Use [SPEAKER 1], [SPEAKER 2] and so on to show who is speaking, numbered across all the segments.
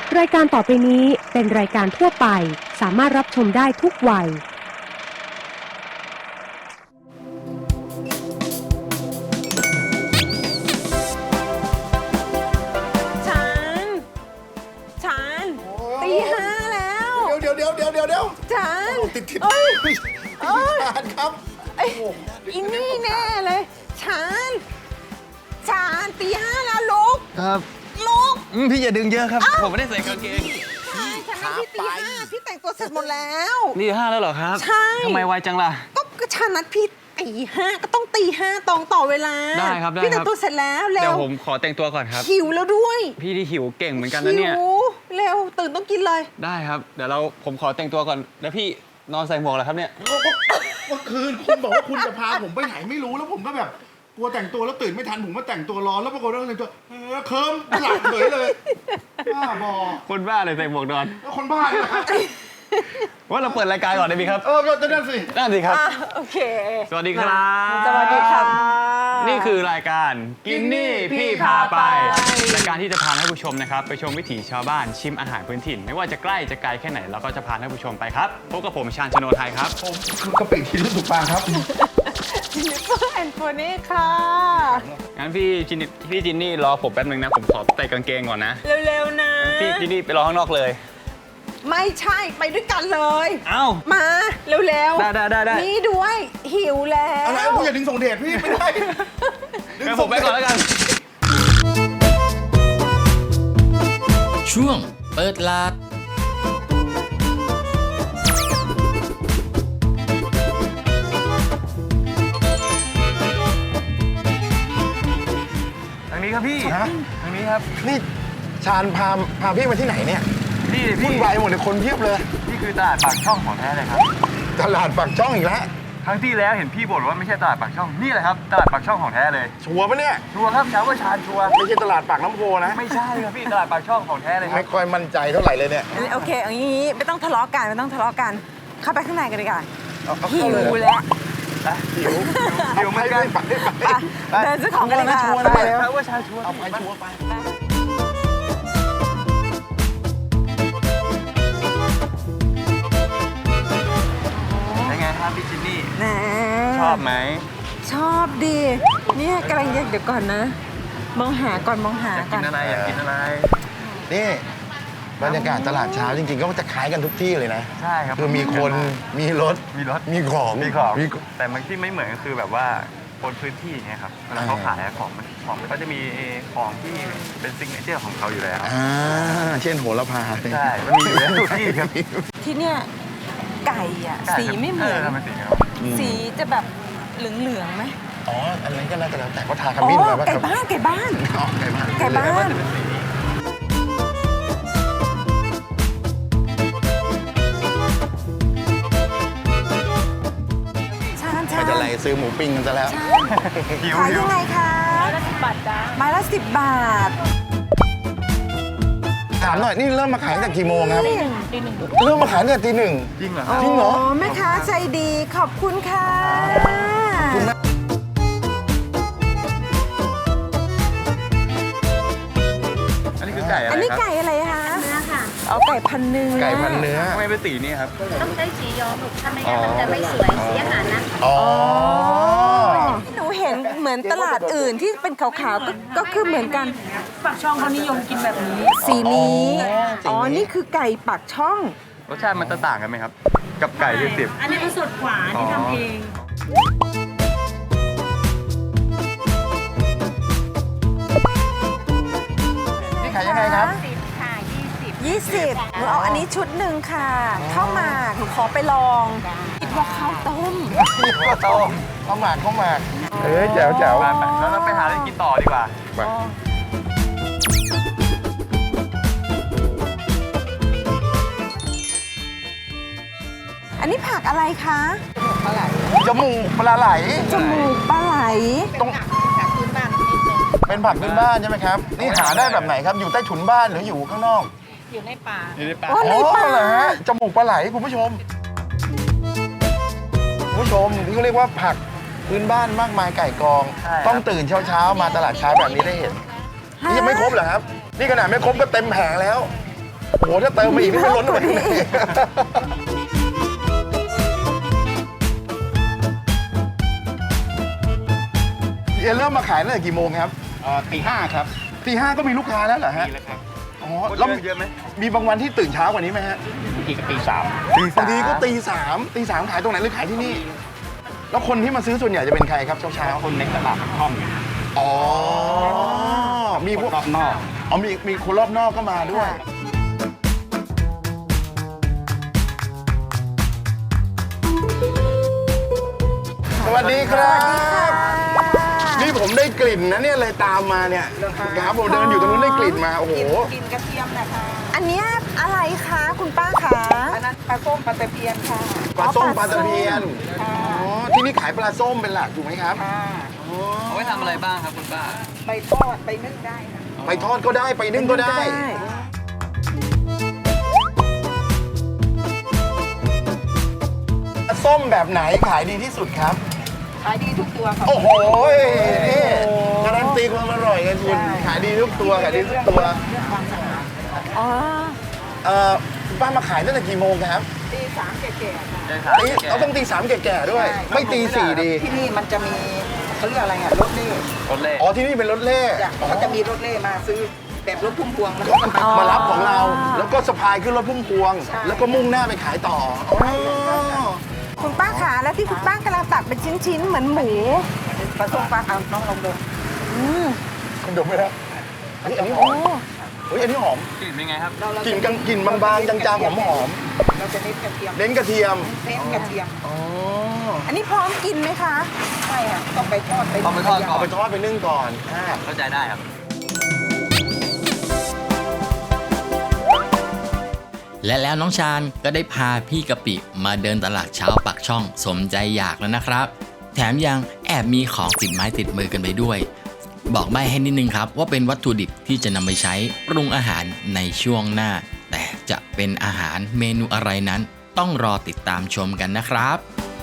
[SPEAKER 1] รายการต่อไปนี้เป็นรายการทั่วไปสามารถรับชมได้ทุกวัย
[SPEAKER 2] ฉันตีห้าแล้ว
[SPEAKER 3] เดี๋ยว
[SPEAKER 2] ฉัน
[SPEAKER 3] ติด
[SPEAKER 2] เอ้ย
[SPEAKER 3] พี่ชาญครับ
[SPEAKER 2] อินนี่แน่เลยฉันตีห้าแล้วลุก
[SPEAKER 4] ครับ
[SPEAKER 2] ลุก
[SPEAKER 4] พี่อย่าดึงเยอะครับ ผมไม่ได้ใส่กางเกง
[SPEAKER 2] ฉันนัดพี่ตีห้าพี่แต่งตัวเสร็จหมดแล้ว
[SPEAKER 4] นี่ห้าแล้วเหรอครับ
[SPEAKER 2] ใช่
[SPEAKER 4] ทำไมไวจังล่ะ
[SPEAKER 2] ก็ฉันนัดพี่ตีห้าก็ต้องตีห้าตรงต่อเวลา
[SPEAKER 4] ได้ครับได้ครับ
[SPEAKER 2] พี่แต่งตัวเสร็จแล้วเร็
[SPEAKER 4] เดี๋ยว
[SPEAKER 2] ว
[SPEAKER 4] ผมขอแต่งตัวก่อนครับ
[SPEAKER 2] หิวแล้วด้วย
[SPEAKER 4] พี่ที่หิวเก่งเหมือนกันนะเนี่ย
[SPEAKER 2] หิวเร็วตื่นต้องกินเลย
[SPEAKER 4] ได้ครับ เดี๋ยวผมขอแต่งตัวก่อน แล้วพี่นอนใส่หมวกเหรอครับเนี่ย
[SPEAKER 3] เมื่อคืนคุณบอกว่าคุณจะพาผมไปไหนไม่รู้แล้วผมก็แบบกลัวแต่งตัวแล้วตื่นไม่ทันผมมาแต่งตัวรอแล้วปรากฏว่าแต่งตัวเคิมหลับเฉยเลยบ้าบอ
[SPEAKER 4] คนบ้าเลยใส่หมวกนอน
[SPEAKER 3] แล้วคนบ้าเนี่ยครับ
[SPEAKER 4] ว่าเราเปิดรายการก่อนได้ไหมครับ
[SPEAKER 3] จะนั่นสิ
[SPEAKER 4] ได้สิครับ
[SPEAKER 2] โอเค
[SPEAKER 4] สวัสดีครับ
[SPEAKER 2] สวัสดีครับ
[SPEAKER 4] นี่คือรายการกินนี่พี่พาไป รายการที่จะพาท่านผู้ชมนะครับไปชมวิถีชาวบ้านชิมอาหารพื้นถิ่น ไม่ว่าจะใกล้จะไกลแค่ไหนเราก็จะพาท่านผู้ชมไปครับพบกับผมชาญชโนไทยครับ
[SPEAKER 3] ผมคือกะปิที่รู้สึกปางครับ
[SPEAKER 2] จินนิเฟอร์แอนด์โฟนี่ค่ะ
[SPEAKER 4] งั้นพี่จินนี่รอผมแป๊บนึงนะผมขอใส่กางเกงก่อนนะ
[SPEAKER 2] เร็วๆนะ
[SPEAKER 4] พี่จินนี่ไปรอข้างนอกเลย
[SPEAKER 2] ไม่ใช่ไปด้วยกันเลย
[SPEAKER 4] เอ้า
[SPEAKER 2] มาเร็วๆ
[SPEAKER 4] ได้
[SPEAKER 2] นี่ด้วยหิวแล้ว
[SPEAKER 3] อะไรคุณอย่าดึงส่งเดชพี่ไม่ได้
[SPEAKER 4] งั้นผมไปก่อนแล้วกัน
[SPEAKER 5] ช่วงเปิดลาด
[SPEAKER 4] ทางนี้ครับพี่
[SPEAKER 3] ฮะ
[SPEAKER 4] ทางนี้ครับ
[SPEAKER 3] นี่ชาญพาพี่มาที่ไหนเนี่ย
[SPEAKER 4] นี่
[SPEAKER 3] วุ่นวายหมดเลยคนเพียบเลย
[SPEAKER 4] นี่คือตลาดปากช่องของแท้เลยครับ
[SPEAKER 3] ตลาดปากช่องอีกแล้ว
[SPEAKER 4] ครั้งที่แล้วเห็นพี่บ่นว่าไม่ใช่ตลาดปากช่องนี่แหละครับตลาดปากช่องของแท้เลย
[SPEAKER 3] ชัวร์ปะเนี่ย
[SPEAKER 4] ชัวร์ครับชาวว่าชาญชัวร์
[SPEAKER 3] ไม่ใช่ตลาดปากน้ำโพนะ
[SPEAKER 4] ไม่ใช่ครับพี่ตลาดปากช่องของแท้เลยครั
[SPEAKER 3] ไม่
[SPEAKER 4] บ
[SPEAKER 3] ค่อยมั่นใจเท่าไหร่เลยเนี่ย
[SPEAKER 2] โอเคเอางี้ไม่ต้องทะเลาะกันเข้าไปข้างในกันดีกว่า
[SPEAKER 3] เอา
[SPEAKER 2] หิ
[SPEAKER 3] เข้าเล
[SPEAKER 2] วย
[SPEAKER 3] เหรอ
[SPEAKER 2] แล้ว
[SPEAKER 3] หิวเหมือนกันไป
[SPEAKER 2] เดินซื้อของกันดีกว่า
[SPEAKER 3] ชัวร์นะ
[SPEAKER 2] ไป
[SPEAKER 3] ชัวร์นะ
[SPEAKER 4] ชาวว่าชาญชัวร์
[SPEAKER 3] เอาไปชัวร์ไป
[SPEAKER 4] เป็นไงครับพี่จินนี่
[SPEAKER 2] แหม
[SPEAKER 4] ชอบไหม
[SPEAKER 2] ชอบดีเนี่ยกำลังเดี๋ยวก่อนนะ มองหาก่อน
[SPEAKER 4] อยากกินอะไรอยากกินอะไร
[SPEAKER 3] นี่บรรยากาศตลาดเช้าจริงๆ ก็จะคล้ายกันทุกที่เลยนะ
[SPEAKER 4] ใช่ครับ
[SPEAKER 3] คือมีคนมีรถ
[SPEAKER 4] มีรถ
[SPEAKER 3] มีของ
[SPEAKER 4] มีของแต่มันที่ไม่เหมือนก็คือแบบว่าคนพื้นที่อย่างเงี้ยครับเวลาเขาขายของเขาจะมีของที่เป็นซิกเนเจอร์ของเขาอยู่แล้ว
[SPEAKER 3] เช่นโหระพา
[SPEAKER 4] ใช่มันมีอยู่แล้วทุกที่ครับ
[SPEAKER 2] ที่เนี่ยไก่อ่ะสีไม่เหมือน
[SPEAKER 4] ทำไมสีไม่เหมือน
[SPEAKER 2] สีจะแบบเหลืองๆไหม
[SPEAKER 3] อ๋อ อันนั้นก็น่าจะแล้วแต่เขาทาข
[SPEAKER 2] อ๋อ
[SPEAKER 3] มิ้นมาป่ะ
[SPEAKER 2] ไก่
[SPEAKER 3] ครับ
[SPEAKER 2] บ้าน
[SPEAKER 3] อ๋อไก่บ้าน
[SPEAKER 2] ไก่บ้าน ชาญ
[SPEAKER 3] ไม่จะไรซื้อหมูปิ้งกันซะแล้ว
[SPEAKER 4] หิว
[SPEAKER 2] ขาย
[SPEAKER 4] หิ
[SPEAKER 2] ยั
[SPEAKER 4] ว
[SPEAKER 2] งไงคะไม้ละ10 บาทจ้าไม้ละ10 บาท
[SPEAKER 3] ถามหน่อย นี่เริ่มมาขายตั้งแต่กี่โมงครับเริ่มมาขายตั้งแต่ตีหนึ่ง
[SPEAKER 4] จริงเหรอครับ
[SPEAKER 3] จริงเหรอ
[SPEAKER 2] แม่ค้าใจดีขอบคุณค่ะ
[SPEAKER 4] อันนี้คือไก่อะไร
[SPEAKER 2] อันนี้
[SPEAKER 4] ครับ
[SPEAKER 2] ไก่อะไรคะเนื้อค่ะ เอาไก่พันเนื้อ
[SPEAKER 3] ไก่พันเนื้อ
[SPEAKER 4] ทำไมเป็นสีนี้ครับ
[SPEAKER 6] ต้องใช้สีย้อมลูกถ้าไม่งั้นมันจะไม่สวยสีอาหารนะ
[SPEAKER 3] อ๋อ
[SPEAKER 2] หนูเห็นเหมือนตลาดอื่นที่เป็นขาวๆก็คือเหมือนกัน
[SPEAKER 7] ปากช่องเขานิยมกินแบบนี้
[SPEAKER 2] สีนี้
[SPEAKER 3] อ๋อสีนี้
[SPEAKER 2] นี่คือไก่ปากช่อง
[SPEAKER 4] รสชาติมันจะต่างกันไหมครับ กับไก่ที่สิบ
[SPEAKER 7] อันนี้มันสดกว่าที่ทำเอง
[SPEAKER 3] นี่ขายยังไงครับ
[SPEAKER 6] 10 ค่ะ
[SPEAKER 2] 20หนูเอาอันนี้ชุดหนึ่งค่ะข้าวหมากหนูขอไปลองคิดว่าข้าวต้ม
[SPEAKER 3] ข้าวต้มข้าวหมากแจ๋วแจ๋ว
[SPEAKER 4] ไปแล้วเราไปหาอะไรกินต่อดีกว่า
[SPEAKER 3] ไป
[SPEAKER 2] อันนี้ผักอะไรคะ
[SPEAKER 3] จมูกปลาไหล
[SPEAKER 2] จมูกปลาไหล
[SPEAKER 3] เป็นผักพื้นบ้านใช่ไหมครับ นี่หาได้แบบไหนครับ อยู่ใต้ถุนบ้านหรืออยู่ข้างนอก
[SPEAKER 4] อยู่ในป่า
[SPEAKER 2] อ๋อในป่า
[SPEAKER 3] เหรอฮะ จมูกปลาไหลคุณผู้ชม คุณผู้ชมนี่เขาเรียกว่าผักพื้นบ้านมากมายไก่กอง
[SPEAKER 4] ใช่ครับ
[SPEAKER 3] ต้องตื่นเช้าๆมาตลาดเช้าแบบนี้ได้เห็น นี่ยังไม่ครบเหรอครับ นี่ขนาดไม่ครบก็เต็มแผงแล้วโอ้โหถ้าเติมมาอีกนี่ไม่ล้นเลยเอ็นเริ่มมาขายตั้งแต่กี่โมงครับ
[SPEAKER 5] ตี 5 ครับ
[SPEAKER 3] ตีห้าก็มีลูกค้าแล้วเหรอฮะ
[SPEAKER 5] นี่แหละครับ
[SPEAKER 3] อ๋อแล้ว
[SPEAKER 4] เยอะไหม
[SPEAKER 3] มีบางวันที่ตื่นเช้ากว่านี้ไหมฮะ
[SPEAKER 5] บางทีก็ตี
[SPEAKER 3] บางทีก็ตีสามขายตรงไหนหรือขายที่นี่ แล้วคนที่มาซื้อส่วนใหญ่จะเป็นใครครับเช้า
[SPEAKER 5] 3 คนในตลาดห้อง
[SPEAKER 3] ๆอ๋อ มีพวก
[SPEAKER 5] รอบนอก
[SPEAKER 3] อ๋อมีคนรอบนอกก็มาด้วย สวัสดีครับ นี่ผมได้กลิ่นนะเนี่ยเลยตามมาเนี่ยครับผมเดินอยู่ตรงนู้นได้กลิ่นมา โอ้โห
[SPEAKER 2] กินกระเทียมนะคะ อันเนี้ยอะไรคะคุณป้าคะ อันนั้นปลาส้มปลาตะเพียนค่ะ
[SPEAKER 3] ปลาส้มปลาตะเพียน อ๋อ ที่นี่ขายปลาส้มเป็นหลักถูกไหมครับ
[SPEAKER 2] ค่ะ
[SPEAKER 3] อ๋อ
[SPEAKER 4] เอาไว้ทำอะไรบ้างครับคุณป้า
[SPEAKER 2] ไปทอดไปนึ่งได้ค่ะ
[SPEAKER 3] ไปทอดก็ได้ไปนึ่งก็ได้ ส้มแบบไหนขายดีที่สุดครับ
[SPEAKER 2] ขายดีทุกตัวค่ะ
[SPEAKER 3] โอ้โห นี่การันตีความอร่อยไงคุณ ขายดีทุกตัวขายดีทุกตัว
[SPEAKER 2] อ๋อ
[SPEAKER 3] คุณป้ามาขายตั้งแต่กี่โมงครับ
[SPEAKER 2] ตีสามแก่ๆค่ะ
[SPEAKER 3] เราต้องตีสามแก่ๆด้วย ไม่ตีสี่ดี
[SPEAKER 2] ที่นี่มันจะมีเขาเรียกอะไรอ่ะรถเล่
[SPEAKER 4] รถเล่
[SPEAKER 3] อ๋อที่นี่เป็นรถเล่
[SPEAKER 2] เขาจะมีรถเล่มาซื้อแบบรถพุ่มพวงแล้วก็
[SPEAKER 3] มารับของเรา แล้วก็สะพายขึ้นรถพุ่มพวง
[SPEAKER 2] ใช่
[SPEAKER 3] แล้วก็มุ่งหน้าไปขายต่ออ๋อ
[SPEAKER 2] คุณป้าขาแล้วที่คุณป้ากำลังตัดเป็นชิ้นๆเหมือนหมูปลาส้มปลาเอาน้องลองดู
[SPEAKER 3] คุณดมไหมครับเฮ้ยอันนี้หอมเฮ้ยอันนี้หอม
[SPEAKER 4] กลิ่นเป็นไงครับ
[SPEAKER 3] กลิ่นบางๆจางๆหอม
[SPEAKER 2] เราจะเน้นกระเทียม
[SPEAKER 3] ๆเน้นกระเทียม
[SPEAKER 2] เน้นกระเทียม
[SPEAKER 3] อ๋อ
[SPEAKER 2] อันนี้พร้อมกินไหมคะใช่ค่ะต้องไปทอดไป
[SPEAKER 4] ต้องไปทอดก่
[SPEAKER 3] เอาไปทอดไปนึ่งก่อน
[SPEAKER 4] เข้าใจได้ครับ
[SPEAKER 8] และแล้วน้องชาญก็ได้พาพี่กะปิมาเดินตลาดเช้าปากช่องสมใจอยากแล้วนะครับ แถมยังแอบมีของติดไม้ติดมือกันไปด้วย บอกใบ้ให้นิดนึงครับว่าเป็นวัตถุดิบที่จะนำไปใช้ปรุงอาหารในช่วงหน้า แต่จะเป็นอาหารเมนูอะไรนั้นต้องรอติดตามชมกันนะครับ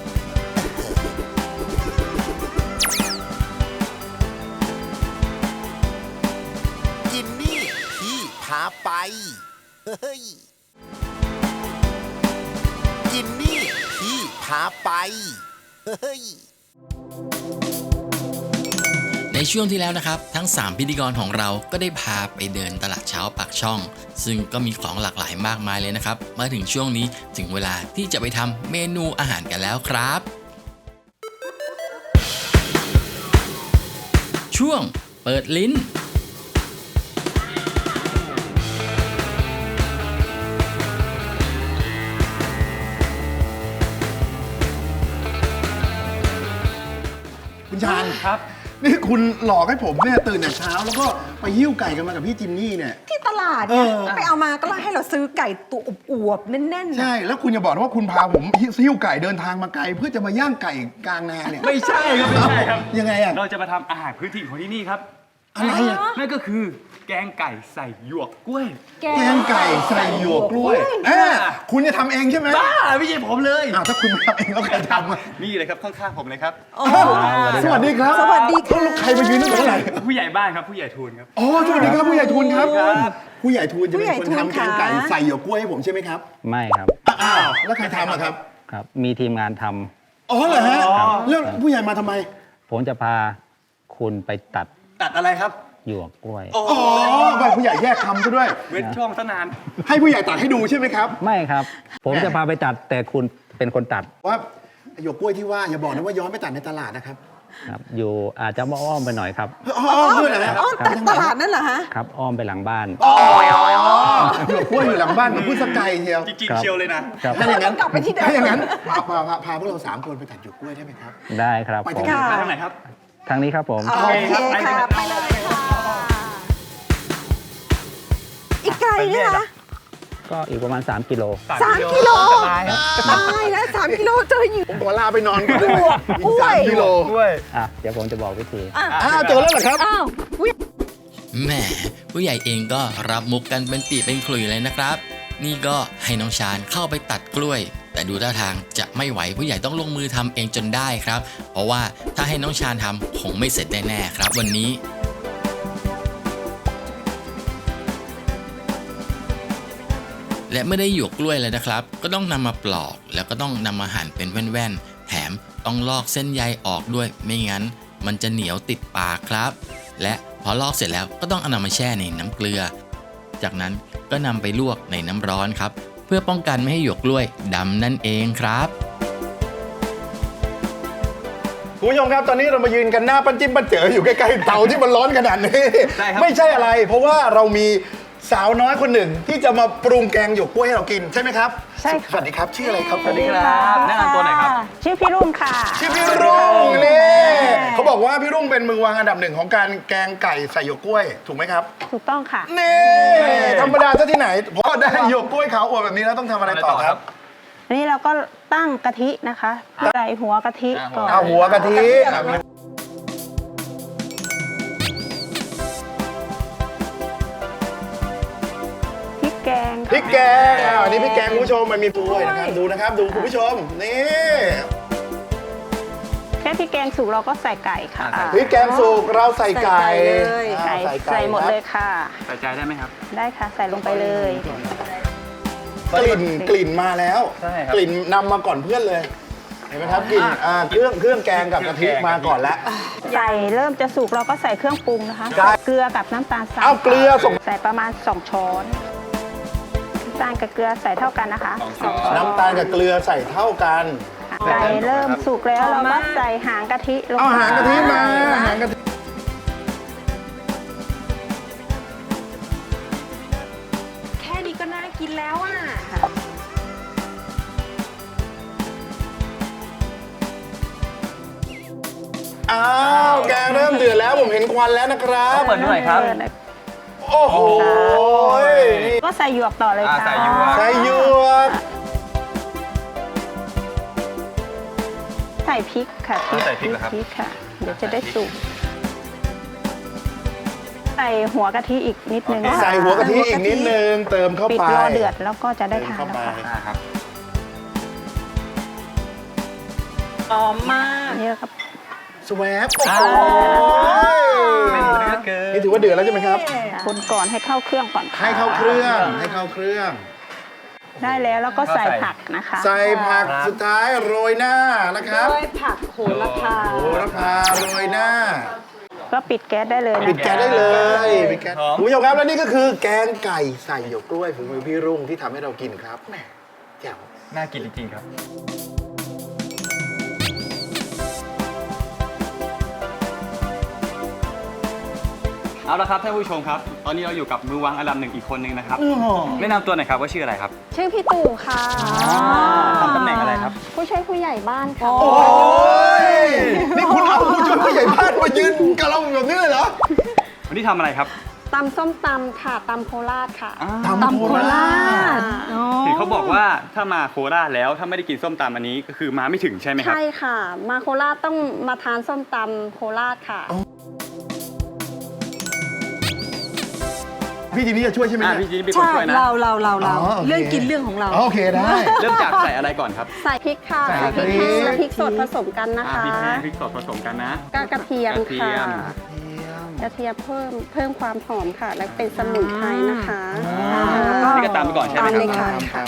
[SPEAKER 9] กินนี่พี่พาไป เฮ้ย กินนี่พี่พาไป เฮ้ย
[SPEAKER 8] ในช่วงที่แล้วนะครับทั้ง 3 พิธีกรของเราก็ได้พาไปเดินตลาดเช้าปากช่อง ซึ่งก็มีของหลากหลายมากมายเลยนะครับ มาถึงช่วงนี้ถึงเวลาที่จะไปทำเมนูอาหารกันแล้วครับ ช่วงเปิดลิ้น
[SPEAKER 3] คุณชาญครับ นี่คุณหลอกให้ผมเนี่ยตื่นแต่เช้าแล้วก็ไปหิ้วไก่กันมากับพี่จิมมี่เนี่ย
[SPEAKER 2] ที่ตลาดเนี่ย
[SPEAKER 3] เออ
[SPEAKER 2] ไปเอามาก็ให้เราซื้อไก่ตัวอวบๆแน่นๆ
[SPEAKER 3] ใช่ แล้วคุณอย่าบอกนะว่าคุณพาผมหิ้วไก่เดินทางมาไกลเพื่อจะมาย่างไก่กลางนาเนี่ย
[SPEAKER 4] ไม่ใช่ครับ ไม่ใช่ครับ
[SPEAKER 3] ยังไงอ่ะ
[SPEAKER 4] เราจะมาทำอาหารพื้นถิ่นของที่นี่ครับ
[SPEAKER 3] อะไรอ่ะ
[SPEAKER 4] นั่นก็คือแกงไก่ใส่หยวกกล้วย
[SPEAKER 3] แกงไก่ใส่หยวกกล้วยคุณจะทำเองใช่ไหม
[SPEAKER 4] บ้าไม่ใช่ผมเลย
[SPEAKER 3] อ้าวถ้าคุณไม่ทำเองแล้วใครทำอ่ะ
[SPEAKER 4] นี่เลยครับข้างๆผมเลยครับ
[SPEAKER 3] สวัสดีครับ
[SPEAKER 2] สวัสดีค่ะ
[SPEAKER 3] แล้วใครมายืนตั้งแต่เมื่อไหร่
[SPEAKER 4] ผู้ใหญ่บ้านครับผู้ใหญ่ทูลครับ
[SPEAKER 3] อ๋อสวัสดีครับผู้ใหญ่ทุนครับ
[SPEAKER 4] ครับ
[SPEAKER 3] ผู้ใหญ่ทุนจะเป็นคน
[SPEAKER 2] ผู้ใหญ่ทุน
[SPEAKER 3] ทำแกงไก่
[SPEAKER 2] ค่ะ
[SPEAKER 3] ใส่หยวกกล้วยให้ผมใช่ไหมครับ
[SPEAKER 5] ไม่ครับ
[SPEAKER 3] อ้าวแล้วใครทำอะครับ
[SPEAKER 5] ครับ มีทีมงานทำ
[SPEAKER 3] อ๋อเหรอฮะแล้วผู้ใหญ่มาทำไม
[SPEAKER 5] ผมจะพาคุณไปตัด
[SPEAKER 4] ตัดอะไรครับ
[SPEAKER 5] หยวกกล้วย
[SPEAKER 3] อ๋อแบบผู้ใหญ่แยกคำซะด้วย
[SPEAKER 4] เว้นช่องซะนาน
[SPEAKER 3] ให้ผู้ใหญ่ตัดให้ดูใช่ไหมครับ
[SPEAKER 5] ไม่ครับ ผมจะพาไปตัดแต่คุณเป็นคนตัด
[SPEAKER 3] ว่าหยวกกล้วยที่ว่าอย่าบอกนะว่าย้อนไปตัดในตลาดนะครับ
[SPEAKER 5] ครับ อยู่อาจจะอ้อมไปหน่อยครับ
[SPEAKER 3] อ๋อด้วยเหรอฮะ
[SPEAKER 2] อ๋อแต่ตลาดนั่นเหรอฮะ
[SPEAKER 5] ครับ อ้อมไปหลังบ้าน
[SPEAKER 3] อ๋อหยวกกล้วยอยู่หลังบ้านกับพูดสกายเชียว
[SPEAKER 4] จริงๆเชียวเลยนะ
[SPEAKER 5] ครับ
[SPEAKER 3] ถ้าอย่างนั้น
[SPEAKER 2] กลับไปที่เดิม
[SPEAKER 3] ถ้าอย่างนั้นพาพวกเรา3 คนไปตัดหยวกกล้วยได้ไหมครับ
[SPEAKER 5] ได้ครับ
[SPEAKER 3] ไป
[SPEAKER 5] ผ
[SPEAKER 3] ที่
[SPEAKER 5] ม
[SPEAKER 3] ไหน
[SPEAKER 4] ไปทางไหนครับ
[SPEAKER 5] ทางนี้ครับผม
[SPEAKER 2] โอเคค่ะไปเลยค่ะอีกไกลไหมคะ
[SPEAKER 5] ก็อีกประมาณ 3 กิโล
[SPEAKER 2] 3 กิโลตายแล้ว3 กิโลเจออยู่
[SPEAKER 3] ผมขอลาไปนอนก่อนได้ไหมอี
[SPEAKER 2] ก
[SPEAKER 3] ก
[SPEAKER 2] ล้วย
[SPEAKER 3] 3 กิโล
[SPEAKER 5] อ่ะ เดี๋ยวผมจะบอกวิธี
[SPEAKER 3] อ้าวเจอแล้วเหรอครับ
[SPEAKER 2] อ้าว
[SPEAKER 8] แหมผู้ใหญ่เองก็รับมุกกันเป็นปีเป็นขลุ่ยเลยนะครับ นี่ก็ให้น้องชาญเข้าไปตัดกล้วย แต่ดูท่าทางจะไม่ไหวผู้ใหญ่ต้องลงมือทำเองจนได้ครับ เพราะว่าถ้าให้น้องชาญทำคงไม่เสร็จแน่ๆครับวันนี้และเมื่อได้หยวกกล้วยแล้วนะครับ ก็ต้องนำมาปลอกแล้วก็ต้องนำมาหั่นเป็นแว่นๆแถมต้องลอกเส้นใยออกด้วยไม่งั้นมันจะเหนียวติดปากครับ และพอลอกเสร็จแล้วก็ต้องเอานำมาแช่ในน้ำเกลือ จากนั้นก็นำไปลวกในน้ำร้อนครับเพื่อป้องกันไม่ให้หยวกกล้วยดำนั่นเองครับ
[SPEAKER 3] คุณผู้ชมครับตอนนี้เรามายืนกันหน้าปั้นจิ้มปั้นเจ๋ออยู่ใกล้ๆเตาที่มันร้อนขนาดนี้
[SPEAKER 4] ได้ครับ
[SPEAKER 3] ไม่ใช่อะไร เพราะว่าเรามีสาวน้อยคนหนึ่งที่จะมาปรุงแกงหยวกกล้วยให้เรากินใช่ไหมครับ
[SPEAKER 6] ใช่ค่ะ
[SPEAKER 3] สวัสดีครับชื่ออะไรครับ
[SPEAKER 4] สวัสดีครับแนะนำตัวหน่อยครับ
[SPEAKER 6] ชื่อพี่รุ่งค่ะ
[SPEAKER 3] ชื่อพี่รุ่งนี่เขาบอกว่าพี่รุ่งเป็นมือวางอันดับหนึ่งของการแกงไก่ใส่หยวกกล้วยถูกไหมครับ
[SPEAKER 6] ถูกต้องค่ะ
[SPEAKER 3] นี่ธรรมดาซะที่ไหนพอได้หยวกกล้วยขาวอวดแบบนี้แล้วต้องทำอะไรต่อครับ
[SPEAKER 6] อันนี้เราก็ตั้งกะทินะคะใส่หัวกะทิก่อน
[SPEAKER 3] เอาหัวกะทิ
[SPEAKER 6] พริกแกง
[SPEAKER 3] พริกแกงอันนี้พริกแกงคุณผู้ชมมันมีด้วยนะครับดูนะครับดูคุณผู้ชมนี่
[SPEAKER 6] แค่พริกแกงสุกเราก็ใส่ไก่ค่ะ
[SPEAKER 3] พริกแกงสุกเราใส่ไก่
[SPEAKER 6] ไก่ใส่หมดเลยค่ะ
[SPEAKER 4] ใส่ใจได้ไหมครับ
[SPEAKER 6] ได้ค่ะใส่ลงไปเลย
[SPEAKER 3] กลิ่นมาแล้ว
[SPEAKER 4] ใช่ครับ
[SPEAKER 3] กลิ่นนำมาก่อนเพื่อนเลยเห็นไหมครับกลิ่นเครื่องแกงกับกะทิมาก่อนแล้ว
[SPEAKER 6] ไก่เริ่มจะสุกเราก็ใส่เครื่องปรุงนะคะ
[SPEAKER 3] ได้
[SPEAKER 6] เกลือกับน้ำตาลทราย
[SPEAKER 3] เอาเกลือส่ง
[SPEAKER 6] ใส่ประมาณ2ช้อนน้ำตาลกับเกลือใส่เท่ากันนะคะ2ช้อน
[SPEAKER 3] น้ำตาลกับเกลือใส่เท่ากัน
[SPEAKER 6] ไก่เริ่มสุกแล้วเราก็ใส่หางกะทิลง
[SPEAKER 3] เอาหางกะทิมาหางกะทิ
[SPEAKER 2] แค่นี้ก็น่ากินแล้วอ่ะ
[SPEAKER 3] อ้าวแกงเริ่มเดือดแล้วผมเห็นควันแล้วนะครับ
[SPEAKER 4] เปิดดูหน่อยครับ
[SPEAKER 3] โอ้โหนี่
[SPEAKER 6] ก็ใส่หยวกต่อเลยค่ะ
[SPEAKER 4] ใส่หยวก
[SPEAKER 3] ใส่หยวก
[SPEAKER 6] ใส่พริกค่ะ
[SPEAKER 4] ใส่พริกเหรอครับ
[SPEAKER 6] พริกค่ะ เดี๋ยวจะได้สุกใส่หัวกะทิอีกนิดนึง
[SPEAKER 3] ใส่หัวกะทิอีกนิดนึงเติมเข้า
[SPEAKER 6] ปิด
[SPEAKER 3] ไป
[SPEAKER 6] รอเดือดแล้วก็จะได้ทาน
[SPEAKER 3] เข้า
[SPEAKER 6] แล้ว
[SPEAKER 3] ไป
[SPEAKER 6] ค่ะ
[SPEAKER 4] ครับ
[SPEAKER 2] หอมมาก
[SPEAKER 6] นี่ครับ
[SPEAKER 3] สวบโอ้โหนี่ถือว่าเดือดแล้วใช่ไหมครับ
[SPEAKER 6] คนก่อนให้เข้าเครื่องก่อนค่ะ
[SPEAKER 3] ให้เข้าเครื่องให้เข้าเครื่อง
[SPEAKER 6] ได้แล้วแล้วก็ใส่ผักนะคะ
[SPEAKER 3] ใส่ผักสุดท้ายโรยหน้านะครับ
[SPEAKER 2] ด้วยผักโหระพา
[SPEAKER 3] โหระพาโรยหน้า
[SPEAKER 6] ก็ปิดแก๊สได้เลย
[SPEAKER 3] ปิด
[SPEAKER 6] นะ
[SPEAKER 3] แก๊สได้เลยปิดแก๊สคุณผู้ชมครับและนี่ก็คือแกงไก่ใส่หยวกกล้วยฝีมือพี่รุ่งที่ทำให้เรากินครับแหมแจ๋ว
[SPEAKER 4] น่ากินจริงๆครับ เอาละครับท่านผู้ชมครับ ตอนนี้เราอยู่กับมือวางอันดับหนึ่งอีกคนนึงนะครับแนะนำตัวหน่อยครับว่าชื่ออะไรครับ
[SPEAKER 10] ชื่อพี่ตู่ค่ะ
[SPEAKER 4] ทำตำแหน่งอะไรครับ
[SPEAKER 10] ผู้ช่วยผู้ใหญ่บ้านค่ะ
[SPEAKER 3] โอ้ยนี่คุณเอาผู้ช่วยผู้ใหญ่บ้านมายืนกับเราแบบนี้เลยเหรอ
[SPEAKER 4] วันนี้ทำอะไรครับ
[SPEAKER 10] ตำส้มตำค่ะ ตำโคราชค่ะ
[SPEAKER 3] ตำโคราช
[SPEAKER 4] เห็นเขาบอกว่าถ้ามาโคราชแล้วถ้าไม่ได้กินส้มตำอันนี้ก็คือมาไม่ถึงใช่ไหมครับ
[SPEAKER 10] ใช่ค่ะ มาโคราชต้องมาทานส้มตำโคราชค่ะ
[SPEAKER 3] พี่จีนี่จะช่วยใช่ไหมเนี่ย
[SPEAKER 4] พี่จีนเป็นคน
[SPEAKER 2] ใช่
[SPEAKER 4] ช่วยนะ
[SPEAKER 2] เรา
[SPEAKER 3] อ๋อโอเค
[SPEAKER 2] เรื่องกินเรื่องของเรา
[SPEAKER 3] โอเคได้
[SPEAKER 4] เริ่มจากใส่อะไรก่อนครับ
[SPEAKER 10] ใส่พริกค่ะ
[SPEAKER 3] ใส่
[SPEAKER 10] ใส่พริก
[SPEAKER 3] พริก
[SPEAKER 10] แห้งและพริกสดผสมกันนะ
[SPEAKER 4] พ
[SPEAKER 10] คะ
[SPEAKER 4] ริกแห้งพริกสดผสมกันนะ
[SPEAKER 10] กระเทียม
[SPEAKER 4] กระเที
[SPEAKER 10] ค่ะ
[SPEAKER 4] ยม
[SPEAKER 10] กระเทียมเพิ่มความหอมค่ะ และเป็นสมุนไพรนะคะ
[SPEAKER 4] นี่ก็ตามไปก่อนใช่ไหม
[SPEAKER 10] ตาม
[SPEAKER 4] ค
[SPEAKER 10] เล
[SPEAKER 4] รับ
[SPEAKER 10] ยค่ะ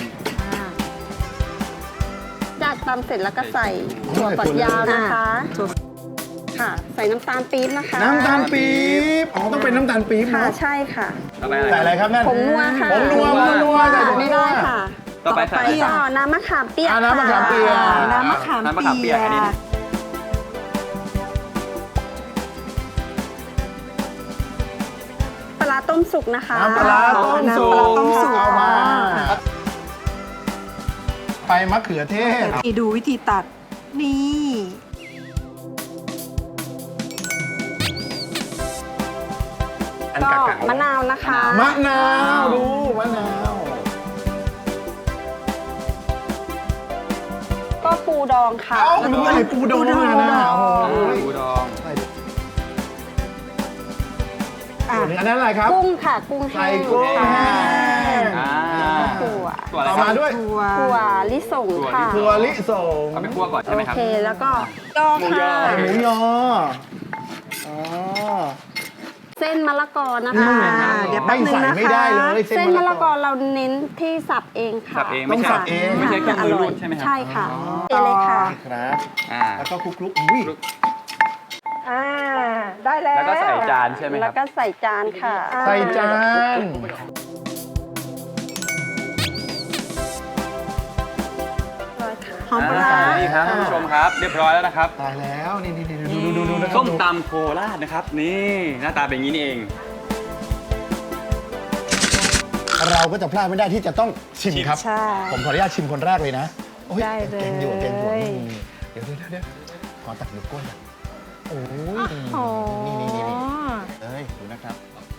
[SPEAKER 10] จากตำเสร็จแล้วก็ใส่ถั่วฝักยาวนะคะ ค่ะ ใส่น้ำตาลปี๊บนะคะ
[SPEAKER 3] น้ำตาลปี๊บอ๋อต้องเป็นน้ำตาลปี๊บ
[SPEAKER 10] ค่ะ
[SPEAKER 3] เนาะ
[SPEAKER 10] ใช่ค่ะ
[SPEAKER 4] ต่อไป
[SPEAKER 3] ใส่
[SPEAKER 4] อะ
[SPEAKER 3] อะไร ไรครับนั่น
[SPEAKER 10] ผงนัวค่ะ
[SPEAKER 3] ผงนัวใส่ผงนัว
[SPEAKER 10] ไม่ได้ค่ะ
[SPEAKER 4] ต่อไปใส่อะไรครับ
[SPEAKER 10] ก็น้ำมะขามเปียก
[SPEAKER 3] น้ำมะขามเปียก
[SPEAKER 10] ค่ะ
[SPEAKER 2] น้ำมะขาม
[SPEAKER 4] น้ำมะขามเปียกอันนี้
[SPEAKER 10] ปลาร้าต้มสุกนะคะ
[SPEAKER 3] น้ำปลาร้าต้มสุก
[SPEAKER 2] น้ำปลาร้าต้มสุก
[SPEAKER 3] เอามาไปมะเขือเทศ
[SPEAKER 2] นี่ดูวิธีตัด นี่
[SPEAKER 3] อัน
[SPEAKER 10] ก็
[SPEAKER 3] กากๆ
[SPEAKER 10] มะนาวนะคะ
[SPEAKER 3] มะนาวดูมะนาว
[SPEAKER 10] ก็ปูดองค่ะ
[SPEAKER 3] เอ้าดูอะไรปูดองนะโอ้โห
[SPEAKER 4] ปูดอง
[SPEAKER 3] อันนั้นอะไรครับ
[SPEAKER 10] กุ้งค่ะ กุ้ง
[SPEAKER 3] ใส่
[SPEAKER 10] แห้ง
[SPEAKER 3] กุ้ง
[SPEAKER 10] ค่ะ
[SPEAKER 3] แห้ง
[SPEAKER 10] ถั่ว
[SPEAKER 4] ตัวอะไร
[SPEAKER 3] ต่อ
[SPEAKER 4] ครั
[SPEAKER 3] มา
[SPEAKER 4] บ
[SPEAKER 3] ด้วย
[SPEAKER 10] ถั่วลิสงค่ะ
[SPEAKER 3] ถั่วลิสง
[SPEAKER 4] เอาไปคั่วก่อนใช่ไหมครับ
[SPEAKER 10] โอเค แล้วก็ยอค่ะ
[SPEAKER 3] หมูยออ๋อ
[SPEAKER 10] เส้นมะละกอนะคะ
[SPEAKER 2] เดี๋ยวแป๊บนึงนะคะ
[SPEAKER 3] ไม่ได้เลย
[SPEAKER 10] เส้นมะละกอเราเน้นที่สับเองค่ะ
[SPEAKER 4] สับเอง
[SPEAKER 3] ต้องสับเอง
[SPEAKER 4] ไม่ใช่เครื่องมือรูดใช่ไหมครั
[SPEAKER 10] ใช่ค่ะเองเลยค่ะ
[SPEAKER 3] ครับ
[SPEAKER 4] อ่า
[SPEAKER 3] แล้วก็คลุกๆอุ้ย
[SPEAKER 2] ได้แล้ว
[SPEAKER 4] แล้วก็ใส่จานใช่ไหมค
[SPEAKER 10] แล้
[SPEAKER 4] รั
[SPEAKER 10] ว
[SPEAKER 4] บ
[SPEAKER 10] ก็ใส่จานค่ะ
[SPEAKER 3] ใส่จาน
[SPEAKER 10] หอมปลาร้า
[SPEAKER 4] นี่ครับท่านผู้ชมครับ เรียบร้อยแล้วนะครับ
[SPEAKER 3] ตายแล้วนี่ดูนะครับ
[SPEAKER 4] ส้มตำโคราชนะครับ นี่หน้าตาเป็นอย่างนี้นี่เอง
[SPEAKER 3] เราก็จะพลาดไม่ได้ที่จะต้องชิมครับ
[SPEAKER 10] ใช่
[SPEAKER 3] ผมขออนุญาตชิมคนแรกเลยนะโอ้ย
[SPEAKER 10] ได้เลย
[SPEAKER 3] เก่งอยู่เดี๋ยวขอตักนิ้วก้นหน่อยโอ้ย
[SPEAKER 10] โอ้
[SPEAKER 3] นี่เอ้ยดูนะครับ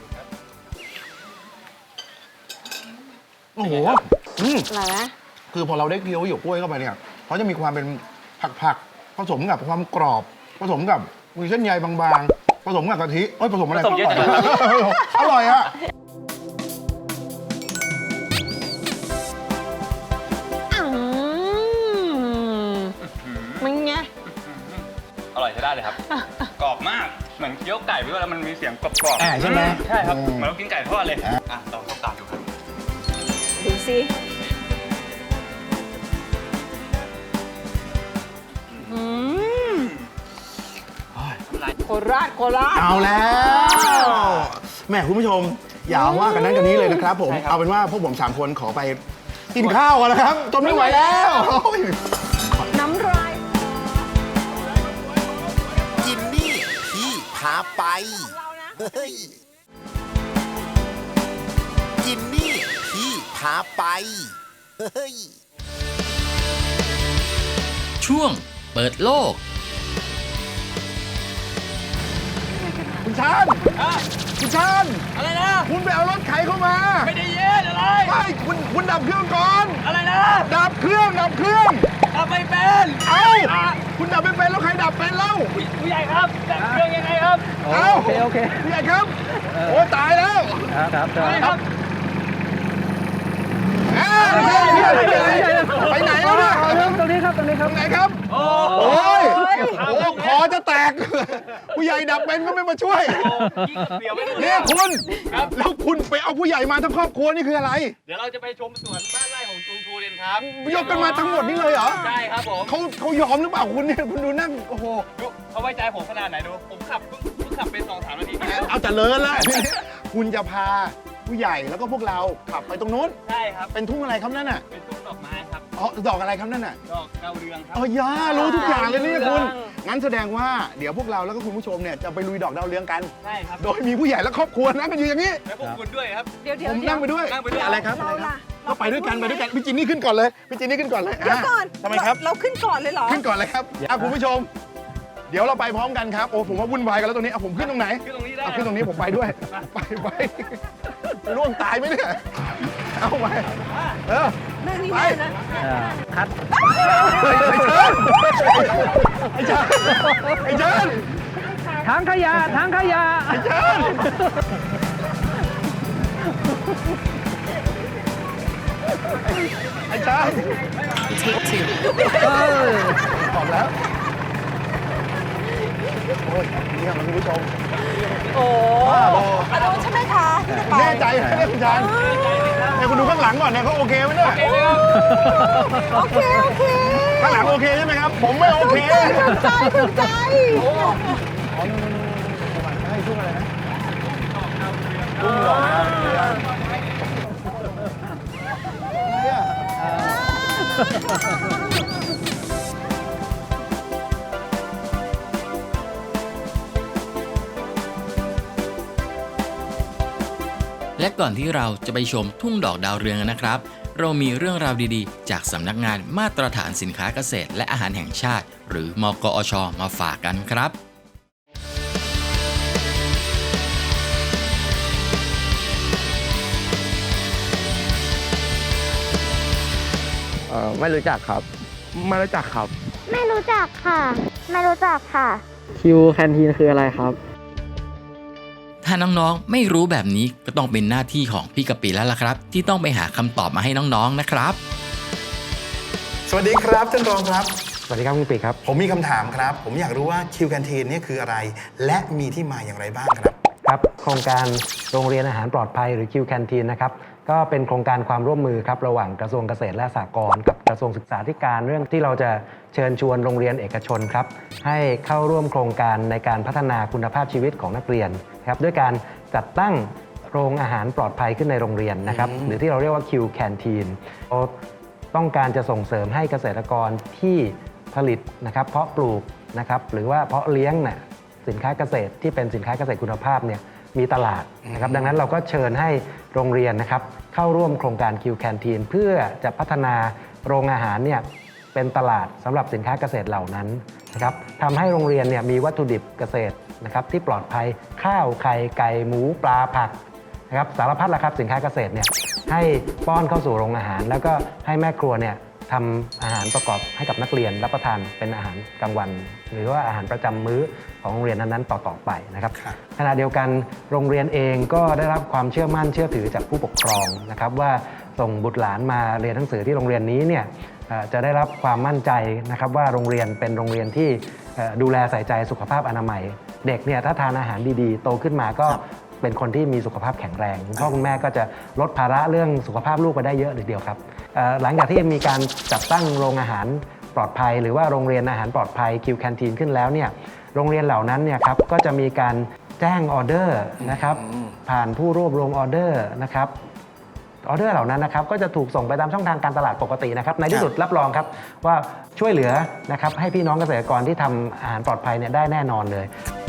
[SPEAKER 3] โอ้โห
[SPEAKER 10] อะไรนะ
[SPEAKER 3] คือพอเราได้เคี้ยวหยวกกล้วยเข้าไปเนี่ยเขาจะมีความเป็นผักผสมกับความกรอบ ผสมกับมีเส้นใยบางๆ ผสมกับกะทิเอ้ยผสมอะไร
[SPEAKER 4] ผสมเยอะจัง
[SPEAKER 3] อร่อยอะ
[SPEAKER 10] มันไง
[SPEAKER 4] อร่อยใช้ได้เลยครับ กรอบมาก เหมือนเคี้ยวไก่ไปด้วยแล้วมันมีเสียงกรอบๆ
[SPEAKER 3] ใช่ไหม
[SPEAKER 4] ใช่ครับ เหมือนเรากินไก่ทอดเลย อ่ะลองส้มตำดูครับ
[SPEAKER 2] ดูสิ โคราช
[SPEAKER 3] เอาแล้วแหม่คุณผู้ชม อย่าว่ากันนั้นกันนี้เลยนะครับผม
[SPEAKER 4] ใช่ครับ
[SPEAKER 3] เอาเป็นว่าพวกผม3คนขอไปกินข้าวกันนะครับจนไม่ไหวแล้วโอ้ย
[SPEAKER 10] น้ำลาย
[SPEAKER 9] จินนี่พี่พาไปเฮ้ยจินนี่พี่พาไปเฮ้ย
[SPEAKER 8] ช่วงเปิดโลก
[SPEAKER 3] คุณชานคุณชาน
[SPEAKER 4] อะไรนะ
[SPEAKER 3] คุณไปเอารถไถเข้ามา
[SPEAKER 4] ไม่ได้เย็นอะไร
[SPEAKER 3] ไม่คุณดับเครื่องก่อน
[SPEAKER 4] อะไรนะ
[SPEAKER 3] ดับเครื่อง
[SPEAKER 4] ทำไม่เป็น
[SPEAKER 3] เอ้าคุณดับไม่เป็นแล้วใครดับเป็นเล่า
[SPEAKER 4] ผู้ใหญ่ครับแต่เครื่องยังไงครับ
[SPEAKER 3] เอ้า
[SPEAKER 5] โอเค
[SPEAKER 3] พี่ใหญ่ครับโอ้ตายแล้ว
[SPEAKER 5] ครับ
[SPEAKER 4] ครับ
[SPEAKER 3] ไปไหนแล้วเนี่ย
[SPEAKER 5] ตรงนี้ครับ
[SPEAKER 3] ตรงไหนครับโอ้ยคอจะแตก ผู้ใหญ่ดับเป็นก็ไม่มาช่วย
[SPEAKER 4] เดี๋ยวไปดู
[SPEAKER 3] เนี่ยคุณแล้วคุณไปเอาผู้ใหญ่มาทั้งครอบครัวนี่คืออะไร
[SPEAKER 4] เดี๋ยวเราจะไปชมสวนบ้านไร่ของลุงทูเรนครับ
[SPEAKER 3] ยกกันมาทั้งหมดนี่เลยเหรอ
[SPEAKER 4] ใช่ครับผม
[SPEAKER 3] เขายอมหรือเปล่าคุณเนี่ยคุณดูนั่งโอ้โห
[SPEAKER 4] ดูเขาไว้ใจผมขนาดไหนดู ผมขับเพิ่งขับเป็น2-3 นาที
[SPEAKER 3] เอาแต่เลิศแล้วคุณจะพาผู้ใหญ่แล้วก็พวกเราขับไปตรงนู้น
[SPEAKER 4] ใช่ครับ
[SPEAKER 3] เป็นทุ่งอะไรครับนั่นน่ะ
[SPEAKER 4] เป็นทุ่งดอกไม้ครับ
[SPEAKER 3] อ๋อดอกอะไรครับนั่นน่ะ
[SPEAKER 4] ดอกดาวเรืองครับ
[SPEAKER 3] ย่ารู้ทุกอย่างเลยเนี่ยคุณ
[SPEAKER 4] ดาวเรือง
[SPEAKER 3] งั้นแสดงว่าเดี๋ยวพวกเราแล้วก็คุณผู้ชมเนี่ยจะไปลุยดอกดาวเรืองกัน
[SPEAKER 4] ใช่ครับ
[SPEAKER 3] โดยมีผู้ใหญ่และครอบครัวนั่งกันอยู่อย่างนี้
[SPEAKER 4] แล้วพวกคุณด้วยครับ
[SPEAKER 2] เดี๋ยว
[SPEAKER 3] ผมนั่งไปด้วย
[SPEAKER 4] นั่งไปด้วย
[SPEAKER 3] อะไรครับ
[SPEAKER 2] เราล่ะ
[SPEAKER 3] ก็ไปด้วยกันพี่จินนี่ขึ้นก่อนเลยพี่จินนี่ขึ้นก่อนเลย
[SPEAKER 2] เดี๋ยวก่อน
[SPEAKER 3] ทำไมครับ
[SPEAKER 2] เราขึ้นก่อนเลยเหรอ
[SPEAKER 3] ขึ้นก่อนเลยครับคุณผู้ชม เดี๋ยวเราไปพร้อมกันครับโอ้ผมว่าวุ่นวายกันแล้วตรงนี้เอาผมขึ้นตรงไหน
[SPEAKER 4] ขึ้นตรงนี้ได้
[SPEAKER 3] เอาขึ้นตรงนี้ผมไปด้วยไปร่วงตายไหมเนี่ยเอาไป
[SPEAKER 2] นั่งนี่
[SPEAKER 3] ไป
[SPEAKER 2] แม่นะ
[SPEAKER 5] คัด
[SPEAKER 3] ไอ้เชิญไอ้เชิญ
[SPEAKER 5] ถังขยะ
[SPEAKER 3] ไอ้เชิญไอ้เชิญบอกแล้วโอ้ยเนี่ยมันคุณผู้ชม
[SPEAKER 2] โอ้
[SPEAKER 3] บ้าบอ
[SPEAKER 2] อารมณ์ใช่ไหมคะที่จะไป
[SPEAKER 3] แน่ใจไหมเนี่ยคุณชานเนี่ยคุณดูข้างหลังก่อนเนี่ยเขาโอเคไหมเนี่ย
[SPEAKER 2] โอเค
[SPEAKER 3] ข้างหลังโอเคใช่ไหมครับ ผมไม่โอเค
[SPEAKER 2] ถูกใจ
[SPEAKER 8] และก่อนที่เราจะไปชมทุ่งดอกดาวเรืองกันนะครับ เรามีเรื่องราวดีๆ จากสำนักงานมาตรฐานสินค้าเกษตรและอาหารแห่งชาติ หรือมกอช มาฝากกันครับ
[SPEAKER 5] ไม่รู้จักครับ
[SPEAKER 3] ไม่รู้จักครับ
[SPEAKER 6] ไม่รู้จักค่ะ ไม่รู้จักค่ะ
[SPEAKER 5] คิวแคนทีนคืออะไรครับ
[SPEAKER 8] ถ้าน้องๆ ไม่รู้แบบนี้ก็ต้องเป็นหน้าที่ของพี่กะปิแล้วล่ะครับ ที่ต้องไปหาคำตอบมาให้น้องๆ นะครับ
[SPEAKER 3] สวัสดีครับท่านรองครับ
[SPEAKER 5] สวัสดีครับคุณปีครับ
[SPEAKER 3] ผมมีคำถามครับ ผมอยากรู้ว่าคิวแคนทีนนี่คืออะไร และมีที่มาอย่างไรบ้างครับ
[SPEAKER 5] คครับโครงการโรงเรียนอาหารปลอดภัยหรือ Q Canteen นะครับก็เป็นโครงการความร่วมมือครับระหว่างกระทรวงเกษตรและสหกรณ์กับกระทรวงศึกษาธิการเรื่องที่เราจะเชิญชวนโรงเรียนเอกชนครับให้เข้าร่วมโครงการในการพัฒนาคุณภาพชีวิตของนักเรียนครับด้วยการจัดตั้งโรงอาหารปลอดภัยขึ้นในโรงเรียนนะครับหรือที่เราเรียกว่า Q Canteen ต้องการจะส่งเสริมให้เกษตรกรที่ผลิตนะครับเพาะปลูกนะครับหรือว่าเพาะเลี้ยงน่ะสินค้าเกษตรที่เป็นสินค้าเกษตรคุณภาพเนี่ยมีตลาดนะครับดังนั้นเราก็เชิญให้โรงเรียนนะครับเข้าร่วมโครงการ Q Canteen เพื่อจะพัฒนาโรงอาหารเนี่ยเป็นตลาดสำหรับสินค้าเกษตรเหล่านั้นนะครับทำให้โรงเรียนเนี่ยมีวัตถุดิบเกษตรนะครับที่ปลอดภัยข้าวไข่ไก่หมูปลาผักนะครับสารพัดละครับสินค้าเกษตรเนี่ยให้ป้อนเข้าสู่โรงอาหารแล้วก็ให้แม่ครัวเนี่ยทำอาหารประกอบให้กับนักเรียนรับประทานเป็นอาหารกลางวัน หรือว่าอาหารประจำมื้อของโรงเรียนนั้นๆต่อๆไปนะครับขณะเดียวกันโรงเรียนเองก็ได้รับความเชื่อมั่นเชื่อถือจากผู้ปกครองนะครับว่าส่งบุตรหลานมาเรียนหนังสือที่โรงเรียนนี้เนี่ยจะได้รับความมั่นใจนะครับว่าโรงเรียนเป็นโรงเรียนที่ดูแลใส่ใจสุขภาพอนามัยเด็กเนี่ยถ้าทานอาหารดีๆโตขึ้นมาก็เป็นคนที่มีสุขภาพแข็งแรงคุณพ่อคุณแม่ก็จะลดภาระเรื่องสุขภาพลูกไปได้เยอะเลยเดียวครับหลังจากที่มีการจัดตั้งโรงอาหารปลอดภัยหรือว่าโรงเรียนอาหารปลอดภัย Q Canteen ขึ้นแล้วเนี่ยโรงเรียนเหล่านั้นเนี่ยครับก็จะมีการแจ้งออเดอร์นะครับผ่านผู้รวบรวมออเดอร์นะครับออเดอร์เหล่านั้นนะครับก็จะถูกส่งไปตามช่องทางการตลาดปกตินะครับในที่สุดรับรองครับว่าช่วยเหลือนะครับให้พี่น้องเกษตรกรที่ทำอาหารปลอดภัยเนี่ยได้แน่นอนเลย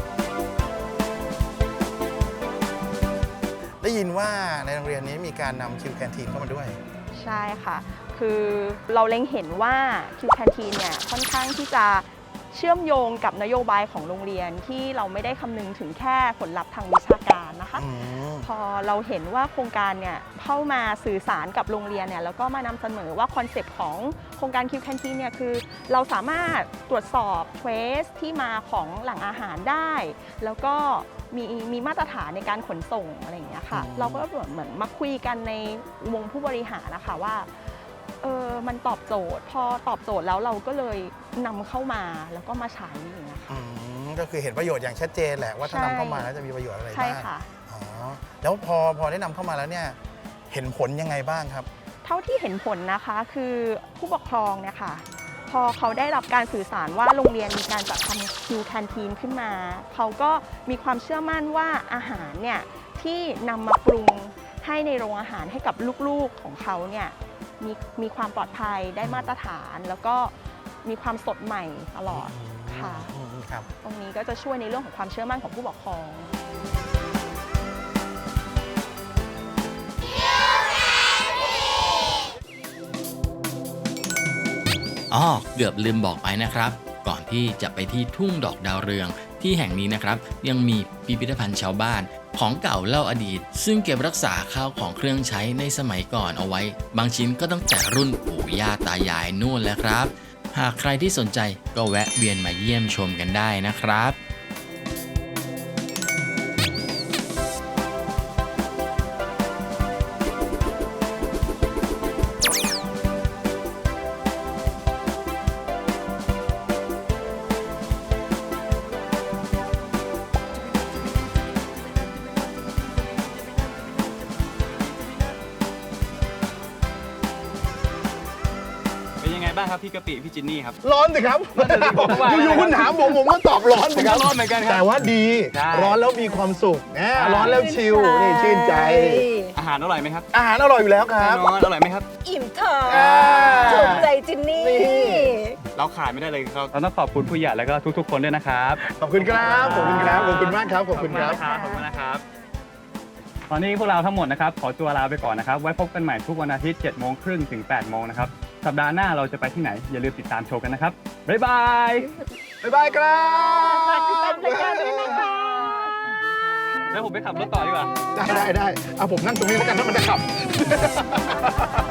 [SPEAKER 11] ได้ยินว่าในโรงเรียนนี้มีการนำ Q Canteen เข้ามาด้วย
[SPEAKER 6] ใช่ค่ะคือเราเล็งเห็นว่า Q Canteen เนี่ยค่อนข้างที่จะเชื่อมโยงกับนโยบายของโรงเรียนที่เราไม่ได้คำนึงถึงแค่ผลลัพธ์ทางวิชาการนะคะพอเราเห็นว่าโครงการเนี่ยเข้ามาสื่อสารกับโรงเรียนเนี่ยแล้วก็มานำเสนอว่าคอนเซปต์ของโครงการ Q Canteen เนี่ยคือเราสามารถตรวจสอบ trace ที่มาของแหล่งอาหารได้แล้วก็มีมาตรฐานในการขนส่งอะไรอย่างเงี้ยค่ะเราก็เหมือนมาคุยกันในวงผู้บริหารนะคะว่ามันตอบโจทย์พอตอบโจทย์แล้วเราก็เลยนำเข้ามาแล้วก็มาใช้อย่างเงี้ยค่ะ
[SPEAKER 11] ก็คือเห็นประโยชน์อย่างชัดเจนแหละว่าถ้านำเข้ามาแล้วจะมีประโยชน์อะไรบ้าง
[SPEAKER 6] ใช่ค่ะ
[SPEAKER 11] แล้วพอได้นำเข้ามาแล้วเนี่ยเห็นผลยังไงบ้างครับ
[SPEAKER 6] เท่าที่เห็นผลนะคะคือผู้ปกครองเนี่ยค่ะพอเขาได้รับการสื่อสารว่าโรงเรียนมีการจัดทำ Q Canteen ขึ้นมาเขาก็มีความเชื่อมั่นว่าอาหารเนี่ยที่นำมาปรุงให้ในโรงอาหารให้กับลูกๆของเขาเนี่ยมีความปลอดภัยได้มาตรฐานแล้วก็มีความสดใหม่ตลอดค่ะตรงนี้ก็จะช่วยในเรื่องของความเชื่อมั่นของผู้ปกครอง
[SPEAKER 8] เกือบลืมบอกไปนะครับก่อนที่จะไปที่ทุ่งดอกดาวเรืองที่แห่งนี้นะครับยังมีพิพิธภัณฑ์ชาวบ้านของเก่าเล่าอดีตซึ่งเก็บรักษาข้าวของเครื่องใช้ในสมัยก่อนเอาไว้บางชิ้นก็ตั้งแต่รุ่นปู่ย่าตายายนู่นแล้วครับหากใครที่สนใจก็แวะเวียนมาเยี่ยมชมกันได้นะครับ
[SPEAKER 4] บ้างครับพี่กะปิพี่จินนี่ครับ
[SPEAKER 3] ร้อนสิครับอยู่ๆคุณถามผมก็ตอบร้อนสิครับ
[SPEAKER 4] ร้อนเหมือนกันครับ
[SPEAKER 3] แต่ว่าดีร้อนแล้วมีความสุขร้อนแล้วชิลนี่ชื่นใจ
[SPEAKER 4] อาหารอร่อยไหมครับ
[SPEAKER 3] อาหารอร่อยอยู่แล้วครับ
[SPEAKER 4] อร่อยไหมครับ
[SPEAKER 2] อิ่มท้องถูกใจจินนี่
[SPEAKER 4] เราขายไม่ได้เลยครับเราต้องขอบคุณผู้ใหญ่แล้วก็ทุกๆคนด้วยนะครับ
[SPEAKER 3] ขอบคุณครับขอบคุณครับขอบคุณมากครับขอบคุณครับ
[SPEAKER 4] ขอบคุณนะครับตอนนี้พวกเราทั้งหมดนะครับขอตัวลาไปก่อนนะครับไว้พบกันใหม่ทุกวันอาทิตย์ 7:30 ถึง 8:00 นะครับสัปดาห์หน้าเราจะไปที่ไหนอย่าลืมติดตามชมกันนะครับบ๊ายบาย
[SPEAKER 3] บ๊ายบายครับ
[SPEAKER 2] ติดตามรายการด้วยนะคะ
[SPEAKER 4] แล้วผมไปขับรถต่อดีกว่า
[SPEAKER 3] ได้เอาผมนั่งตรงนี้แล้วกันถ้ามันจะขับ